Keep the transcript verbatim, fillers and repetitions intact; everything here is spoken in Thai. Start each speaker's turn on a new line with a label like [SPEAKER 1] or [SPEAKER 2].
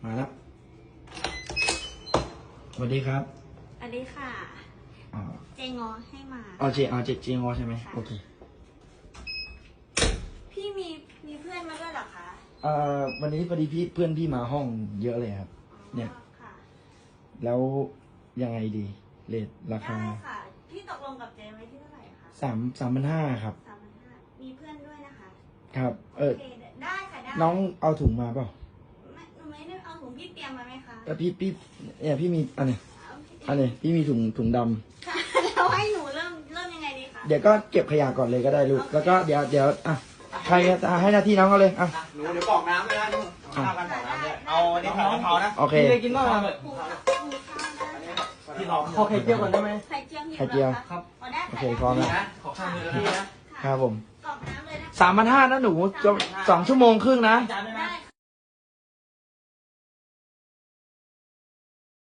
[SPEAKER 1] มาแล้วสวัสดีครับ
[SPEAKER 2] สวัสดีค่ะอ๋อเจงอให้มา
[SPEAKER 1] อ๋อเจอ๋อเจเจงอใช่ไหมโอเค
[SPEAKER 2] พี่มีมีเพื่อนมาด้วยเหรอคะ
[SPEAKER 1] เอ่อวันนี้พอดีพี่เพื่อนพี่มาห้องเยอะเลยครับเนี่ยแล้วยังไงดีเรทราคา
[SPEAKER 2] ได้ค่ะพี่ตกลงกับเจไว้ที่เท่าไหร่คะ
[SPEAKER 1] สามสามพันห้าครับ
[SPEAKER 2] สามพันห้ามีเพื่อนด้วยนะคะ
[SPEAKER 1] ครับเออ
[SPEAKER 2] ได้ค่ะได้
[SPEAKER 1] น้องเอาถุงมาเปล่า
[SPEAKER 2] ไม่หนูไม่ได้เอาถุงพี่เตรียมมาไหมคะ
[SPEAKER 1] เออพี่พี่เนี่ยพี่มีอันนี้อันนี้พี่มีถุงถุงดำ
[SPEAKER 2] ค่ะแล้วให้หนูเริ่มเริ่มยังไงดีคะ
[SPEAKER 1] เดี๋ยวก็เก็บขยะก่อนเลยก็ได้ลูกแล้วก็เดี๋ยวเดี๋ยวอ่ะใครจะให้หน้าที่น้องเขาเลยอ่ะ
[SPEAKER 3] หนูเดี๋ยวบอกน้ำเลยนะข้าวกันบอกน้ำเลยเอานี่ผัดกะเพรานะ
[SPEAKER 1] โอเค
[SPEAKER 3] พี่ได้กินบ้างไหม
[SPEAKER 2] พี่
[SPEAKER 3] ลองขอไข่เจียวก่อนได้ไหม
[SPEAKER 2] ไข่เจียว
[SPEAKER 1] ไข่เจียว
[SPEAKER 2] ครับ
[SPEAKER 1] โอเคพร้อมแล้ว
[SPEAKER 3] ขอข้าวมือพี่นะครับ
[SPEAKER 1] ผม
[SPEAKER 2] กรอกน้ำเลยนะ
[SPEAKER 1] สามพันห้านะหนูสองชั่วโมงครึ่งนะ
[SPEAKER 3] จานได้ไหม